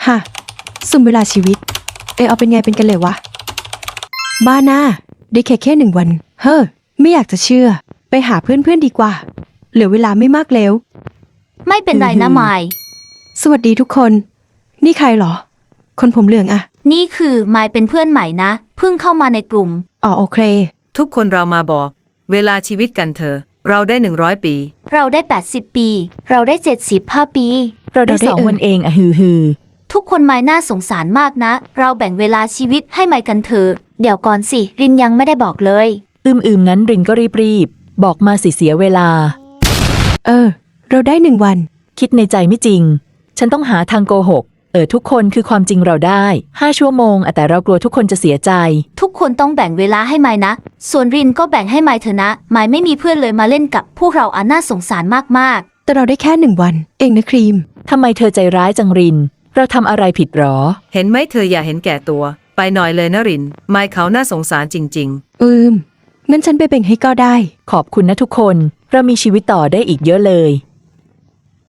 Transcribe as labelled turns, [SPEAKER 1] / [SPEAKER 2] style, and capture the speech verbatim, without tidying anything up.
[SPEAKER 1] ฮะสุ่มเวลาชีวิตเออเอาเป็นไงเป็นกันเลยวะบ้าหน้าได้แค่แค่หนึ่งวันเฮ้อไม่อยากจะเชื่อไปหาเพื่อนๆดีกว่าเหลือเวลาไม่มากแล้ว
[SPEAKER 2] ไม่เป็นไรนะไมค์
[SPEAKER 1] สวัสดีทุกคนนี่ใครเหรอคนผมเหลืองอะ
[SPEAKER 2] นี่คือไมค์เป็นเพื่อนใหม่นะเพิ่งเข้ามาในกลุ่ม
[SPEAKER 1] อ๋อโอเค
[SPEAKER 3] ทุกคนเรามาบอกเวลาชีวิตกันเถอะเราได้หนึ่งร้อยปี
[SPEAKER 2] เราได้แปดสิบปีเราได้เจ็ดสิบห้าปี
[SPEAKER 4] เราได้สองวันเองอะฮือฮือ
[SPEAKER 2] ทุกคนไมค์น่าสงสารมากนะเราแบ่งเวลาชีวิตให้ไมค์กันเถอะเดี๋ยวก่อนสิรินยังไม่ได้บอกเลย
[SPEAKER 4] อืมอืมงั้นรินก็รีบรีบบอกมาสิเสียเวลา
[SPEAKER 1] เออเราได้หนึ่งวัน
[SPEAKER 4] คิดในใจไม่จริงฉันต้องหาทางโกหกเออทุกคนคือความจริงเราได้ห้าชั่วโมงแต่เรากลัวทุกคนจะเสียใจ
[SPEAKER 2] ทุกคนต้องแบ่งเวลาให้ไมค์นะส่วนรินก็แบ่งให้ไมค์เถอะนะไมค์ไม่มีเพื่อนเลยมาเล่นกับพวกเราอ่ะน่าสงสารมาก
[SPEAKER 1] ๆแต่เราได้แค่หนึ่งวันเองนะครีม
[SPEAKER 4] ทำไมเธอใจร้ายจังรินเราทำอะไรผิดหรอ
[SPEAKER 3] เห็นไหมเธออย่าเห็นแก่ตัวไปหน่อยเลยนะรินไม่เขาน่าสงสารจริง
[SPEAKER 1] ๆอืมงั้นฉันไปแบ่งให้ก็ได้
[SPEAKER 4] ขอบคุณนะทุกคนเรามีชีวิตต่อได้อีกเยอะเลย